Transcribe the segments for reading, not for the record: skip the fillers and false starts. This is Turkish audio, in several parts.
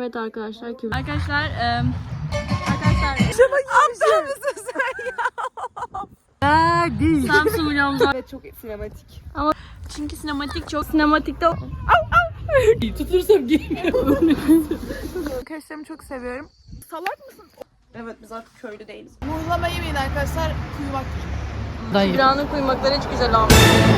Evet arkadaşlar. Kim? Arkadaşlar Aptal mısın sen ya? Samsun vlogumuza. Evet, çok sinematik. Ama çünkü sinematik çok sinematikte. tutursam giymiyorum. Arkadaşlarımı çok seviyorum. Salak mısın? Evet, biz artık köylü değiliz. Muhlama yemeyin arkadaşlar. Kuyumak. Kübra'nın kuymakları hiç güzel olmuş.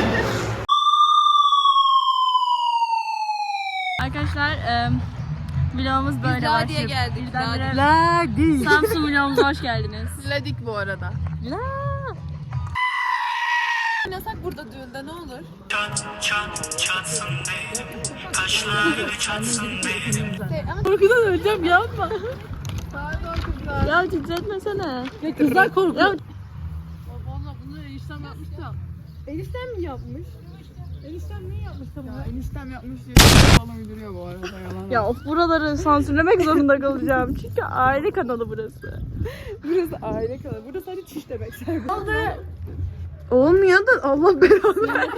Arkadaşlar vlogumuz böyle başlıyor. Ladi'ye geldik. Birdenbire Ladi. Samsun vlogumuza hoş geldiniz. Ladik bu arada. La. Oynasak burada düğünde ne olur? Çatsın be, kaşları çatsın be. Korkudan öleceğim yapma. Pardon kızlar. Ya titretmesene. Ya kızlar korkuyor. Ya Valla bunu eniştem yapmış da. Eniştem mi yapmış? Eniştem ne yapmış da bunu? Eniştem yapmış diye falan uyduruyor bu arada, yalan. ya of, buraları sansürlemek zorunda kalacağım. Çünkü aile kanalı burası. Burası aile kanalı. Burası hani çiş demek. Olmuyor da Allah belanı.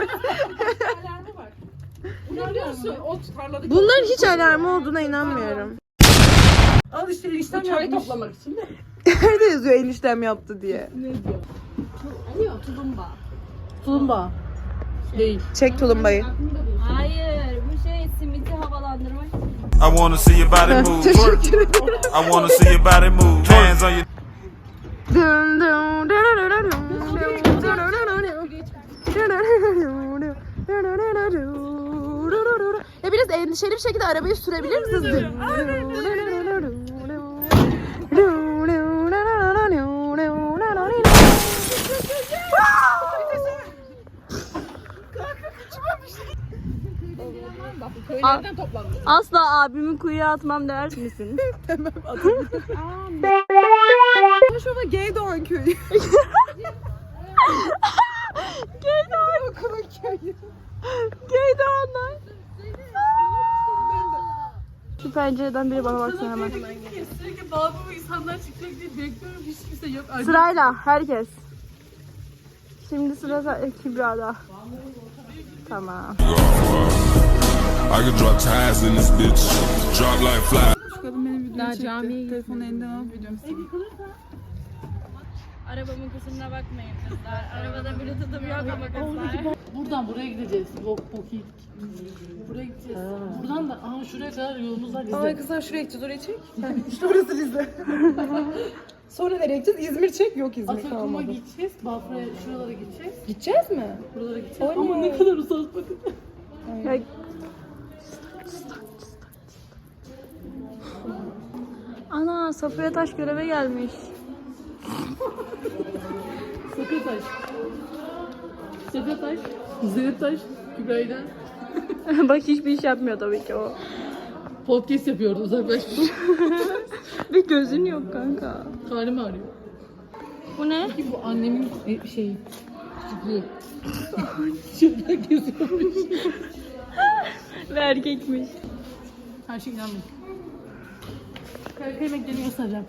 Bunların hiç alarmı olduğuna inanmıyorum. Al işte eniştem çay toplamak için de. Nerede yazıyor eniştem yaptı diye? Ne diyor? Tulumba. Tulumba. Değil. Çek tulumbayı. Hayır, bu şey simiti havalandırmak. I wanna see your body move. Teşekkür ederim. I wanna see your body move. Hands on your Ya biraz endişeli bir şekilde arabayı sürebilir misiniz? Köylerden toplandı. Asla abimi kuyuya atmam der misin? Şurada Geydoğan köyü. Geydoğan. Okulun köyü. Geydoğanlar. Şu pencereden biri bana baksın hemen. Sürekli balkona insanlar çıkacak diye bekliyorum. Hiç kimse yok. Sırayla herkes. Şimdi sıra Kübra'da. Tamam. I could drop ties in this bitch. Drop like fly. Şu kadın benim videomu çekti. Telefonu elinden alıp videomu sildi. Arabamın kusuruna bakmayın kızlar. Arabada bluetooth'um yok ama kızlar. Buradan buraya gideceğiz. Bok yedik. Buraya gideceğiz. Buradan da şuraya kadar yolumuz var Ay bizde. kızlar şuraya gideceğiz, oraya çek. İşte orası Rize. Sonra nereye gideceğiz? İzmir çek. Yok, İzmir Atakum'a kalmadı. gideceğiz. Bafra'ya şuralara gideceğiz. Gideceğiz mi? Buralara gideceğiz. Oley. Ama ne kadar uzak bakın. Ya, ana Safiye Taş göreve gelmiş. Sakataş. Sakataş. Zeytaş. Kübra'yla Bak hiçbir iş yapmıyor tabii ki o. podcast yapıyordu uzaklaşmış. Bir gözün yok kanka. Karnım ağrıyor. Bu ne? Ki bu annemin şeyi. Küçüklüğü. Şuradan geziyormuş. Ve erkekmiş. Her şey inanmıyorum. Kaykay yemeklerini göstereceğim.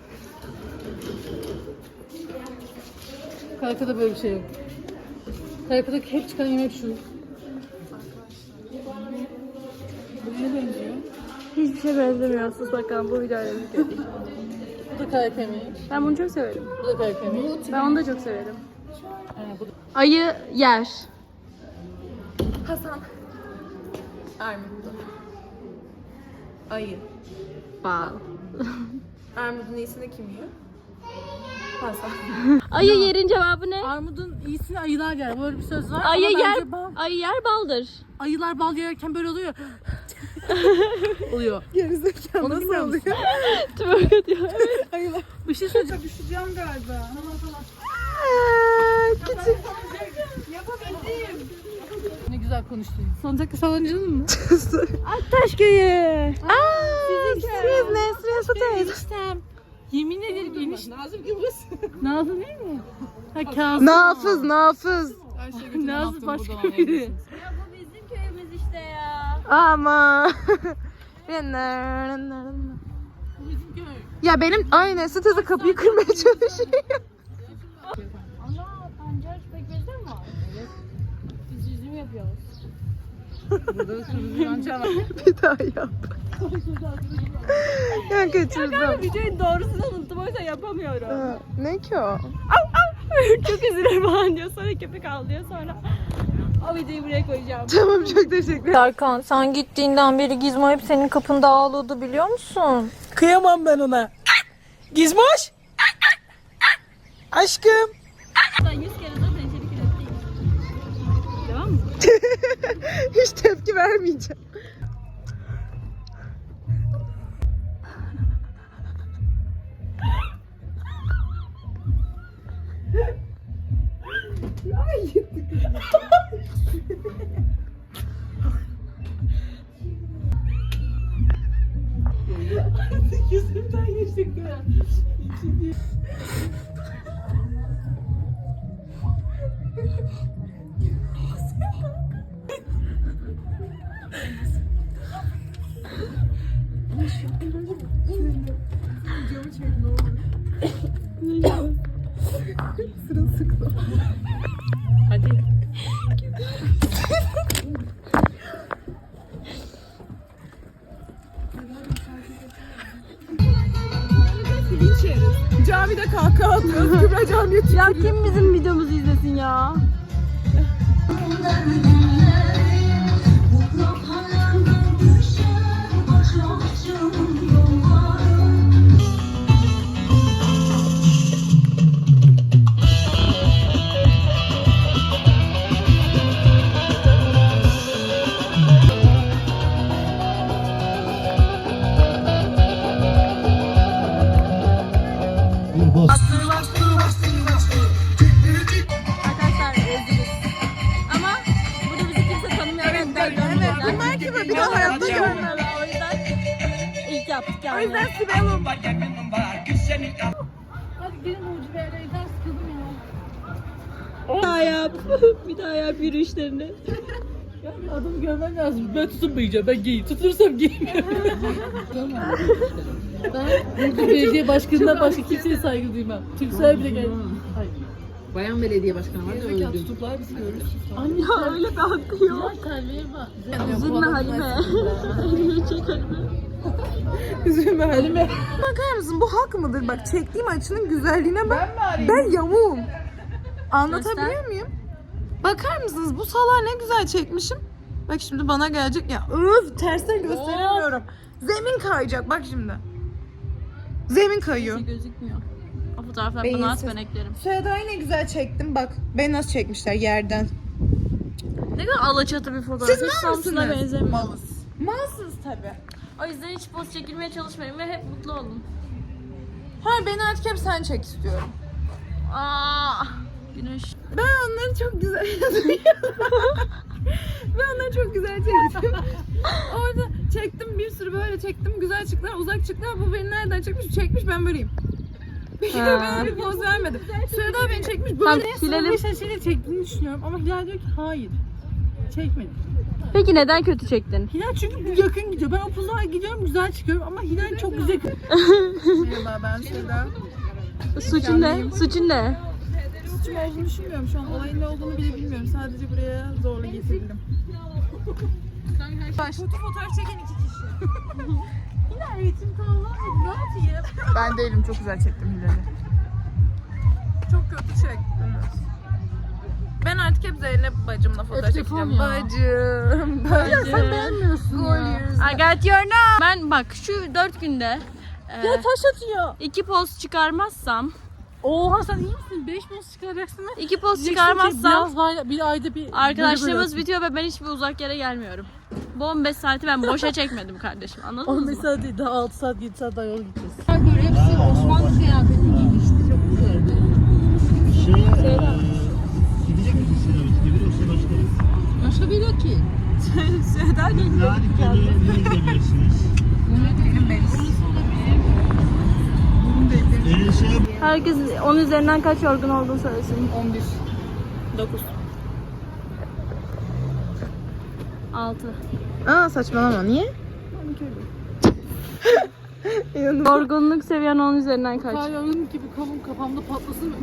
Kaykada böyle bir şey yok. Kaykada hep çıkan yemek şu. Bu ne benziyor? Hiçbir şey benzemiyor. Sus bakalım bu videoyla birlikte. Bu da kaykay yemeği. Ben bunu çok severim. Bu da kaykay yemeği. Ben onu da çok severim. Bu da... Ayı yer. Hasan. Armutlu. Ayı. Bal. Armudun iyisini kim yiyor? Hasan. Ayı yerin cevabı ne? Armudun iyisini ayılar yer. Böyle bir söz var. Ayı ama yer, bence ayı yer baldır. ayılar bal yerken böyle oluyor. oluyor. Gerizekalı Onu nasıl bilmiyor oluyor? Tübörk atıyor. Ayılar. Bir şey söyleyeceğim. Düşeceğim galiba. Küçük. Ne güzel konuştun. Salıncakta salıncının mı? Taş köyü. Siz Nesrin Sutayız. Eniştem. Yemin ederim eniştem. Nazım gibi Nazım değil mi? Ha Kazım. Nafız, nafız. Nazım başka biri. Ya bu bizim köyümüz işte ya. Ama. Bu bizim köy. Ya benim aynen sitede kapıyı kırmaya çalışıyor. Ana pancar pekmezde mi var? Evet. Biz üzüm yapıyoruz. Burada da sürücü yanca var. Bir daha yap. Ya kaçırdım. Videonun doğrusunu unuttum o yüzden yapamıyorum. Ne ki o? Çok üzülür falan diyor. Sonra köpek ağlıyor sonra. O videoyu buraya koyacağım. Tamam çok teşekkür ederim. Serkan sen gittiğinden beri Gizmo hep senin kapında ağlıyordu biliyor musun? Kıyamam ben ona. Gizmoş. Aşkım. Ben 100 kere zaten içerik ürettim. Devam mı? Hiç tepki vermeyeceğim. Yüzümden geçtik ya. Camide kahkaha atıyoruz. Kübra camiye Ya kim bizim videomuzu izlesin ya? Arkadaşlar reziliz. Ama burada bizi kimse tanımıyor. Evet, bunlar kim? Bir daha hayatta görmem. O yüzden ilk yaptık yani. O yüzden Sibel'im. Hadi gelin ucu bir yere yeter sıkıldım ya. Bir daha yap. Bir daha yap yürüyüşlerini. Yani adamı görmem lazım. Ben tutunmayacağım. Ben giyeyim. Tutunursam giyeyim. Ben burada belediye başkanından başka kimseye saygı duymam. Tümsel bile geldi. Bayan belediye başkanı var da öldü. Tutuklar bizi görür. Ya öyle bir hakkı yok. Kalbiye bak. Üzülme Halime. Elini çek Halime. Üzülme Halime. Bakar mısın bu hak mıdır? Bak çektiğim açının güzelliğine bak. Ben yamuğum. Anlatabiliyor muyum? Bakar mısınız bu salağı ne güzel çekmişim. Bak şimdi bana gelecek ya. Öf tersten gösteremiyorum. Zemin kayacak bak şimdi. Zemin kayıyor. Gözükmüyor. O fotoğraflar Beyinsiz. bana at ben eklerim. Seda'yı ne güzel çektim bak. Beni nasıl çekmişler yerden. Ne kadar alaçatı bir fotoğraf. Siz Hiç mal Samsun'a mısınız? benzemiyor. Malsınız tabi. O yüzden hiç poz çekilmeye çalışmayın ve hep mutlu olun. Hayır beni artık hep sen çek istiyorum. Aa, güneş. Ben onları çok güzel Ben onları çok güzel çektim. Orada çektim bir sürü böyle çektim. Güzel çıktılar, uzak çıktılar. Bu beni nereden çekmiş? Çekmiş ben böyleyim. Bir kere böyle bir poz vermedim. Seda beni çekmiş böyle. Hilal'im. Şaşırıyla çektiğini düşünüyorum ama Hilal diyor ki hayır. Çekmedi. Peki neden kötü çektin? Hilal çünkü bu yakın gidiyor. Ben upuzaya gidiyorum güzel çıkıyorum ama Hilal çok güzel. Merhaba ben Seda. Suçun ne? Suçun ne? Suçum olduğunu düşünmüyorum. Şu an olayın ne olduğunu bile bilmiyorum. Sadece buraya zorla getirildim. Kötü fotoğraf çeken 2 kişi. Hilal ritim tamamlamadı. Ne yapayım? Ben değilim. Çok güzel çektim Hilal'i. Çok kötü çektim. Ben artık hep Zeynep bacımla fotoğraf çekeceğim. ya. Bacım. Ya sen beğenmiyorsun ya. I got your number. Ben bak şu 4 günde Taş atıyor. 2 poz çıkarmazsam Oha sen iyi misin? 5 poz çıkaracaksın mı? 2 poz Diyeceksin ki çıkarmazsam biraz var, bir ayda bir arkadaşlığımız bitiyor ve ben hiçbir uzak yere gelmiyorum. Bu 15 saati ben boşa çekmedim kardeşim. Anladın 15 mı? saat değil daha 6 saat 7 saat daha yol gideceğiz. Hepsi Osmanlı kıyafeti giymişti. Çok güzeldi. Gidecek misin sinemaya? Gidiyorsa başlarız. Başka biri yok ki. Seda geliyor. Harikalı ne gidebilirsiniz? Herkes 10 üzerinden kaç yorgun olduğunu söylesin. 11. 9. 6. Aa saçmalama niye? Yorgunluk seviyen 10 üzerinden kaç? Kayyum gibi kolum kafamda patlasın.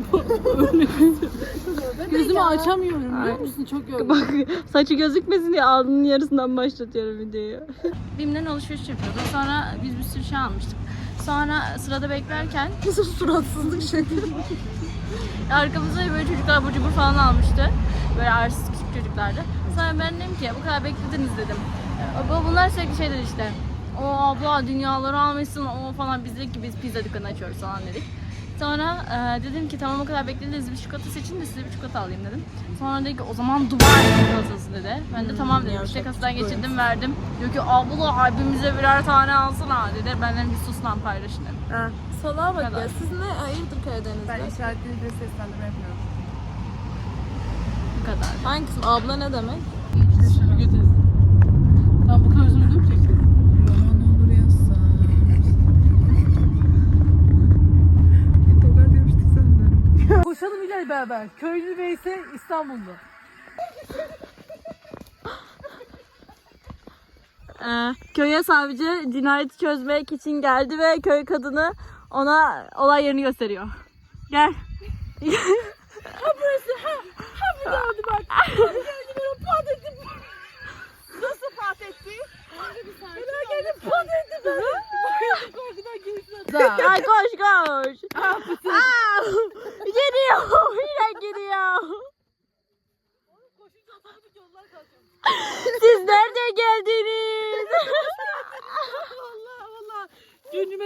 Gözümü açamıyorum biliyor musun? Çok yorgun. Bak saçı gözükmesin diye alnının yarısından başlatıyorum videoyu. BİM'den alışveriş yapıyorduk. Sonra biz bir sürü şey almıştık. Sonra sırada beklerken Nasıl suratsızlık şey. arkamızda böyle çocuklar abur cubur falan almıştı. Böyle arsız küçük çocuklardı. Sonra ben dedim ki bu kadar beklediniz dedim. Bunlar sürekli şeyler işte. O abla dünyaları almışsın o falan, biz dedik ki biz pizza dükkanı açıyoruz falan dedik. Sonra dedim ki tamam o kadar beklediniz bir çikolata seçin de size bir çikolata alayım dedim. Sonra dedi ki o zaman Dubai çikolatası dedi. Ben de tamam dedim, işte kasadan geçirdim verdim. Diyor ki abla abimize birer tane alsana dedi. Benden bir sus lan paylaşın dedim. Salağa bak kadar. ya. Siz ne hayırdır Karadeniz'de? Ben işaretleri seslendirme yapıyorum. Bu kadar. Hangisi? Abla ne demek? Süpürge teyze. Tamam bu kadar özür dökeceksin. Roman olur yazsa. Tokat yapıştık senden. Koşalım İlay beraber. Köylü Beyse İstanbul'da. Köye savcı cinayeti çözmek için geldi ve köy kadını ona olay yerini gösteriyor. Gel. Ay koş koş. Geliyor. Yine geliyor. Siz nerede geldiniz? Gönlüme...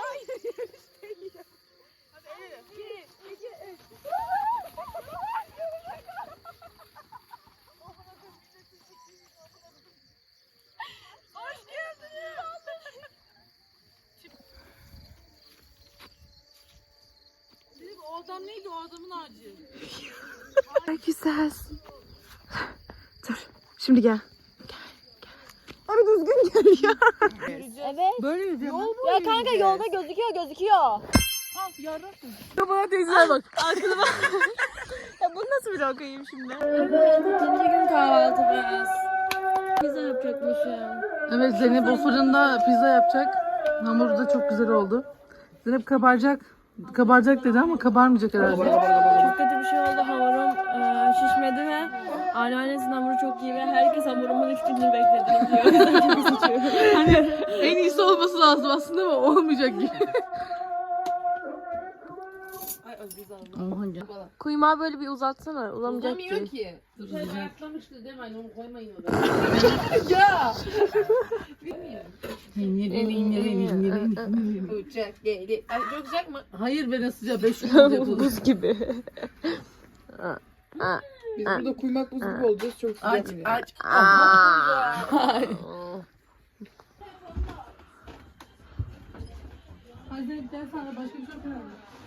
O adam neydi? O adamın ağacı. Güzelsin. Dur. Şimdi gel. Abi düzgün gel ya. Evet. Böyle yürüyeceğim. Ya kanka yolda gözüküyor. Bana teyzeler bak. Aklıma. Ya bunu nasıl bir okuyayım şimdi? Evet, ikinci gün kahvaltımız. Pizza yapacakmışım. Evet Zeynep o fırında pizza yapacak. Hamuru da çok güzel oldu. Zeynep kabaracak. Kabaracak dedi ama kabarmayacak herhalde. Çok kötü bir şey oldu. Hamurum şişmedi ve anneannesinin hamuru çok iyi ve herkes hamurumun 3 gününü bekledi diyor. O yüzden çok üzücü. En iyisi olması lazım aslında ama olmayacak gibi. Kuymağı böyle bir uzatsana. Uzamayacak ki. Ayaklanmıştı değil mi? Onu koymayın oraya. Ya! Uçak geli. Ay çok sıcak mı? Hayır be ne sıcağı 5 gün olacak olur. Buz gibi. Biz burada kuymak buz gibi olacağız. Çok sıcak. Aç. Hadi bir tane sana başka bir şey yapalım.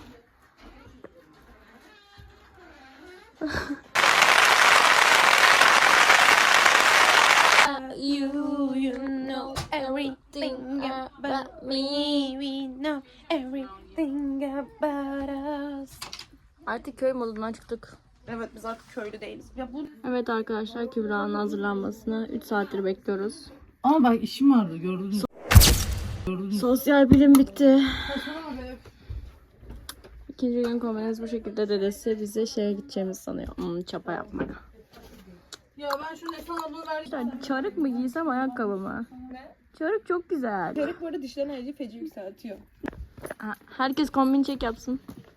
You know everything about me. We know everything about us. Artık köy modundan çıktık. Evet biz artık köylü değiliz. Ya bu Evet arkadaşlar, Kübra'nın hazırlanmasını 3 saattir bekliyoruz. Ama bak işim vardı gördün mü? Sosyal bilim bitti. İkinci gün kombinez bu şekilde, dedesi bize şeye gideceğimizi sanıyor. Çapa yapmaya. Ya ben şu Nesan abla verdim. Çarık mı giysem ayakkabı mı? Çarık çok güzel. çarık bu arada dişlerini ayrıca feci yükseltiyor. Herkes kombin çek yapsın.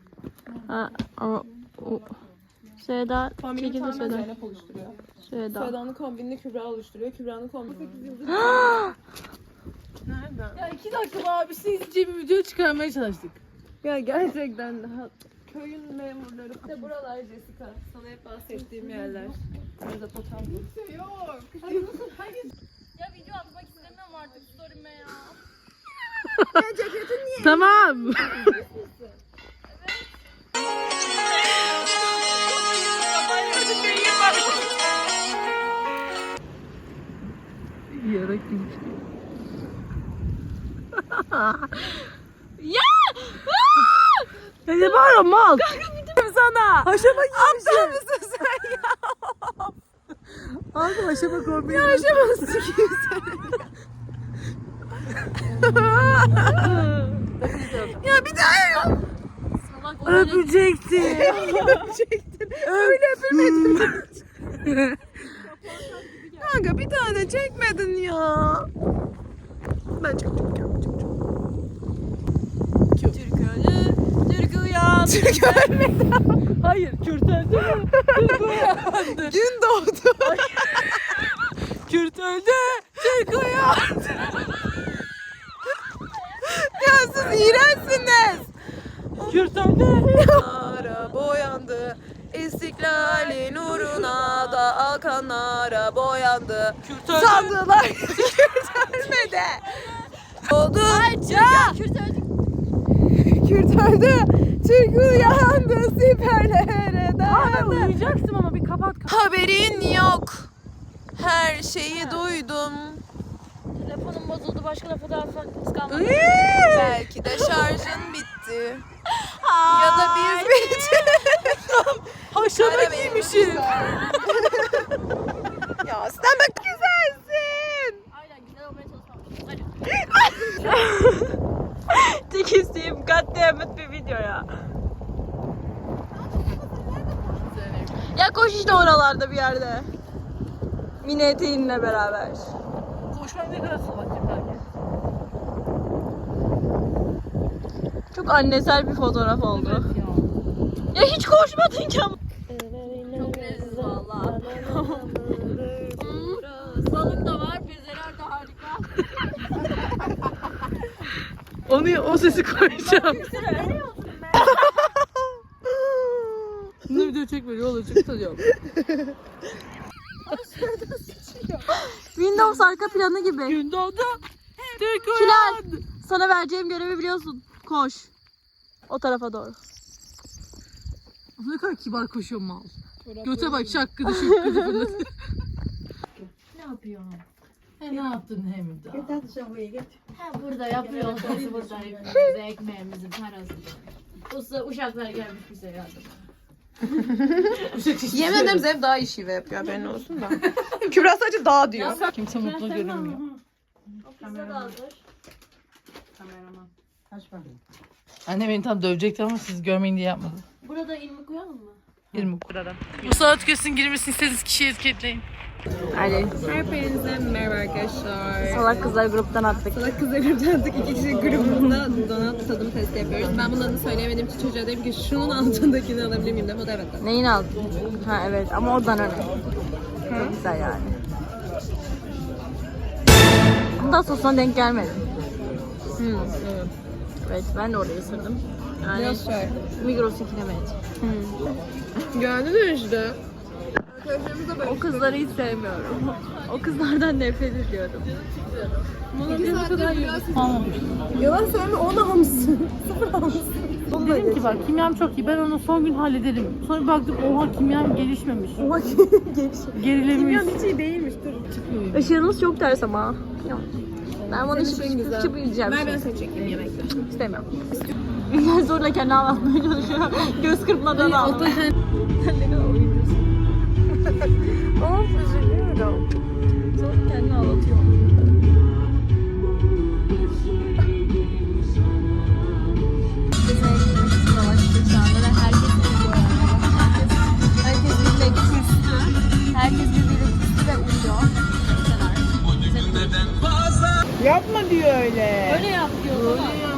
Seda Kombini çekildi tamamen Seda. Zeynep oluşturuyor. Seda. Seda'nın kombinini Kübra oluşturuyor. Kübra'nın kombini... Nereden? Ya 2 dakika abi sizce bir video çıkarmaya çalıştık. Ya gerçekten köyün memurları. İşte buralar Jessica. Sana hep bahsettiğim yerler. Mezopotamya. Yok. Ya video atmak istemiyorum artık story'me ya. Ya ceketin niye? Tamam. Yarak gibi. Ya! Ne bağırıyorsun mal? Sana. Haşama giymişim. Aptal mısın sen ya? Abi haşama kombini. Haşama sikiyim seni. Ya bir daha ya. Salak o öyle- Öpecekti. Öpecektin. Öyle öpülmedin. Kanka bir tane çekmedin ya. Ben çekeceğim. Türk öldü, Türk uyandı. Türk ölmedi. Hayır, Kürt öldü, Türk uyandı. Gün doğdu. Kürt öldü, Türk uyandı. Ya siz iğrençsiniz. Kürt öldü. Nara boyandı. İstiklalin uğruna da alkanlara boyandı. Kürt öldü. Sandılar Kürt ölmedi. Oldu. Kürt öldü. Kürt öldü. Türk uyandı. Siperlere dayandı. Uyuyacaksın ama bir kapat. Haberin yok. Her şeyi duydum. Telefonum bozuldu, başka da fotoğraf kalmadı. Belki de şarjın bitti. Ya da biz bitti. Haşama giymişim. Ya sen de güzelsin. Aynen, güzel olmaya çalışmamışım. Hadi. Tek isteğim katliamlık bir video ya. Ya koş işte oralarda bir yerde. Mini eteğinle beraber. Koşmam ne kadar salakçım belki. Çok annesel bir fotoğraf oldu. Ya hiç koşmadın ki ama. Çok leziz valla. Balık da var, bezeler de harika. O sesi koyacağım. Bunu video çekme ne olur çok tanıyorum. Windows arka planı gibi. Gün doğdu. Türk Hilal, uyandı. sana vereceğim görevi biliyorsun. Koş. O tarafa doğru. Ne kadar kibar koşuyor mal. Göte bak şakkıdı şıkkıdı. Ne yapıyorsun? Ne yaptın hem de? Ha burada yapıyoruz. Burada hepimize ekmeğimizin parası. Uşaklar gelmiş bize yardıma. Yemin ederim Zev daha iyi şive yapıyor, haberin olsun da. Kübra sadece daha diyor. Kimse mutlu görünmüyor. O kızda da hazır. Anne beni tam dövecekti ama siz görmeyin diye yapmadı. Burada ilmi koyalım mı? 20 kurarım. Bu sanat gösterinin girmesini istediğiniz kişiyi etiketleyin. Hadi. Hepinize merhaba arkadaşlar. Salak kızlar gruptan attık. Salak kızlar gruptandık. 2 kişi grubunda donat tadım testi yapıyoruz. Ben bunların söyleyemediğim için çocuğa dedim ki şunun altındakini alabilir miyim dedim. O da evet dedi. Neyin aldın? Ha evet ama oradan öyle. Çok güzel yani. Bundan sosuna denk gelmedim. Evet. Evet ben de orayı ısırdım. Yani Biraz şey. Migros'un kilometre. Gördün mü işte? O kızları hiç sevmiyorum. O kızlardan nefret ediyorum. Yalan söyleme, 10 almışsın. 0 almışsın. Dedim ki bak kimyam çok iyi ben onu son gün hallederim. Sonra bir baktım oha kimyam gelişmemiş. Oha gelişim. Gerilemiş. Kimyon hiç iyi değilmiş. Dur. Işığınız çok ters ama. Ben bunu Senin güzel. şıp yiyeceğim. Ver ben seni çekeyim yemekte. İstemiyorum. Ünlü zorla kendi anlatmaya çalışıyor. Göz kırpmadan ağlamaya. Sen ne kadar oynuyorsun? Of üzülüyorum. Zorla kendini ağlatıyor. Herkes birbirine küstü. Herkes birbirine küstü ve uyuyor. Yapma diyor öyle. Öyle yap diyor.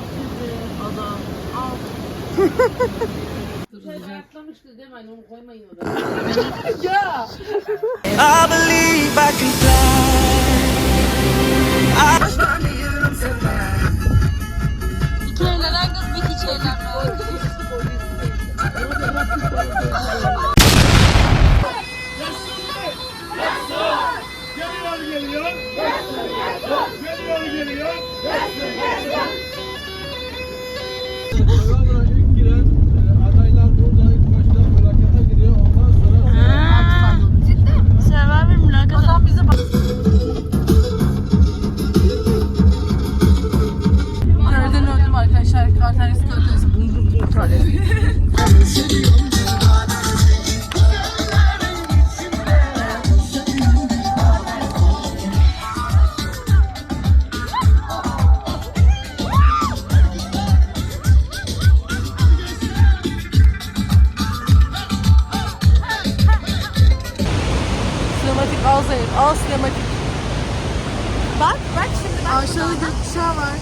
I believe I can İki evlenen kız bir hiç evlenmiyor. Survivor mülakatı. Adam bize bak. Nereden öldüm arkadaşlar? Kartanesi kartanesi. Bum bum kartanesi. Al sinematik. Bak şimdi bak. Aşağıda gökkuşağı var.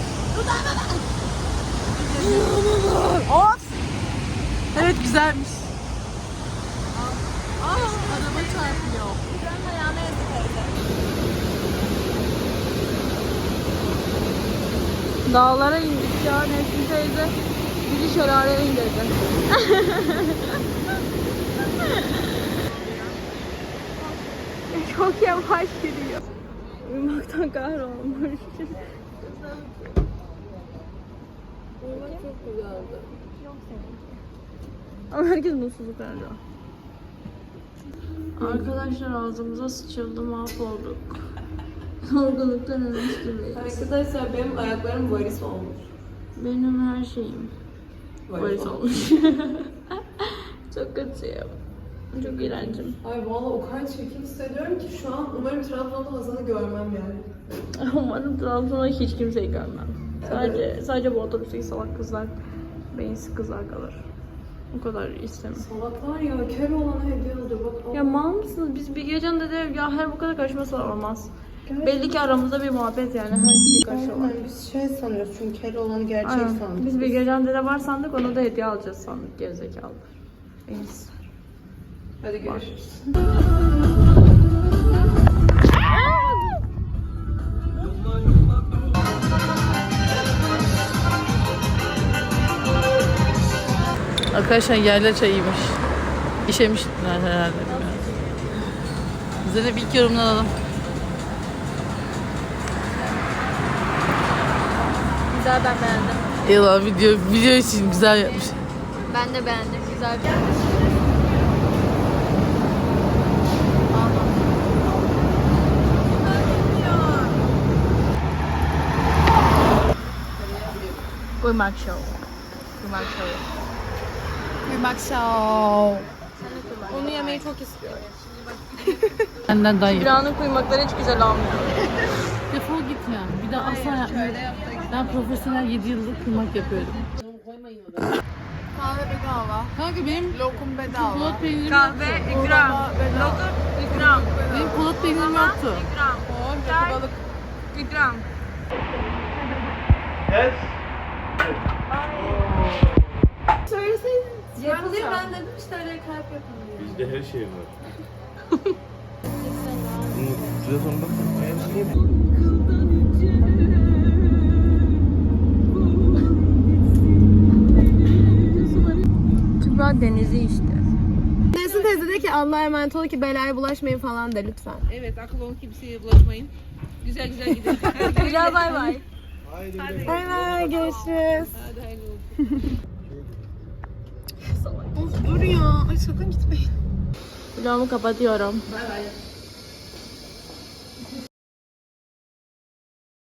Of. Evet güzelmiş. Araba çarpıyor. Dağlara indik ya. Nesrin teyze bizi şelaleye indirdi. Çok yavaş gidiyor. Uyumaktan kahrolmuş. Uyumak çok güzeldi. Ama herkes mutsuzluk verdi. Arkadaşlar ağzımıza sıçıldı, mahvolduk. Yorgunluktan ölmüş gibiyiz. Arkadaşlar benim ayaklarım varis olmuş. Benim her şeyim varis olmuş. Çok kötüyüm. Çok iğrencim. Ay vallahi o kadar çirkin hissediyorum ki şu an umarım Trabzon'da Hazan'ı görmem yani. Umarım Trabzon'da hiç kimseyi görmem. Sadece bu otobüsteki salak kızlar, beyinsiz kızlar kalır. O kadar istemem. Salaklar ya, kör olana hediye alıyor bak. Ya mal mısınız? Biz bir gecen de ya her bu kadar karışması olmaz. Belli ki aramızda bir muhabbet yani. Her bir karşı var. Biz şey sanıyoruz çünkü kör olanı gerçek Aynen. sandık. Biz bir gecen de var sandık, onu da hediye alacağız sandık. Gerizekalılar. Beyinsiz. Hadi görüşürüz. Arkadaşlar yerler çayıymış. İşemiş herhalde. Zeynep ilk yorumunu alalım. Güzel, ben beğendim. Eyvallah, video için güzel yapmış. Ben de beğendim. Güzel bir Kuymak show. Kuymak show. Kuymak show. Onu yemeyi çok istiyorum. Benden daha iyi. Kübra'nın kuymakları hiç güzel olmuyor. Defol git ya. Bir daha asla yapmıyorum. Ben profesyonel 7 yıllık kıymak yapıyorum. Kahve bedava. Kanka benim Lokum bedava. polat peynirim Kahve, yoktu. ikram. Lokum, ikram. Benim polat peynirim yoktu. İkram. Çay, balık. İkram. Söyleseydin. Yapılıyor, ben dedim işte öyle kalp yapılıyor. Bizde her şey var. Size sonunda hepsini yedim. Kübra denizi işte. Nesin teyze de ki Allah'a emanet ol ki belaya bulaşmayın falan de lütfen. Evet, akıl olun, kimseye bulaşmayın. Güzel güzel gidin. Kübra bay bay. Bay bay, görüşürüz. Of dur ya. Ay sakın gitmeyin. Vlogumu kapatıyorum. Bay bay.